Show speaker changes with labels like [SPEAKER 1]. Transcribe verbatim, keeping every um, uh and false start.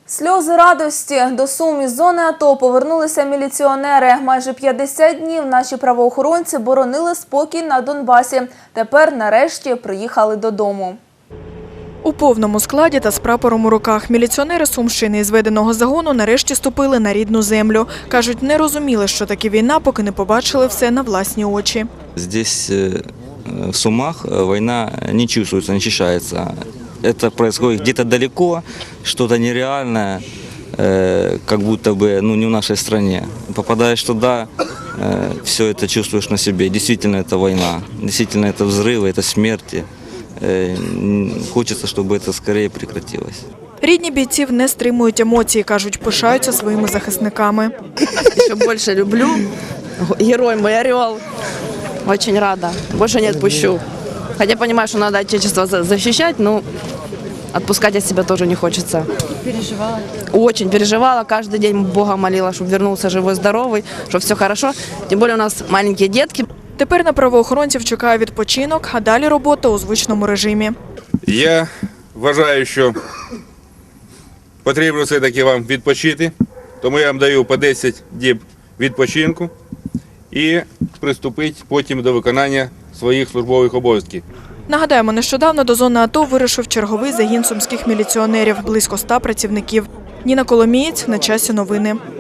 [SPEAKER 1] Сльози радості. До Сум із зони АТО повернулися міліціонери. Майже п'ятдесят днів наші правоохоронці боронили спокій на Донбасі. Тепер нарешті приїхали додому.
[SPEAKER 2] У повному складі та з прапором у руках міліціонери Сумщини із зведеного загону нарешті ступили на рідну землю. Кажуть, не розуміли, що таке війна, поки не побачили все на власні очі.
[SPEAKER 3] Здесь, в Сумах, война не чувствуется, не ощущается. Это происходит где-то далеко, что-то нереальное, как будто бы ну, не в нашей стране. Попадаешь туда, все это чувствуешь на себе. Действительно, это война, действительно, это взрывы, это смерти. Хочеться, щоб це скоріше прекратилось.
[SPEAKER 2] Рідні бійців не стримують емоцій, кажуть, пишаються своїми захисниками.
[SPEAKER 4] Ще більше люблю. Герой мій орел. Дуже рада. Більше не відпущу. Хоча розумію, що треба отечество захищати, але відпускати від себе теж не хочеться.
[SPEAKER 5] Переживала?
[SPEAKER 4] Дуже переживала. Кожен день Бога молила, щоб повернувся живий, здоровий, щоб все добре. Тим більше у нас маленькі дітки.
[SPEAKER 2] Тепер на правоохоронців чекає відпочинок, а далі робота у звичному режимі.
[SPEAKER 6] Я вважаю, що потрібно все-таки вам відпочити, тому я вам даю по десять діб відпочинку і приступити потім до виконання своїх службових обов'язків.
[SPEAKER 2] Нагадаємо, нещодавно до зони АТО вирушив черговий загін сумських міліціонерів, близько ста працівників. Ніна Коломієць, на часі новини.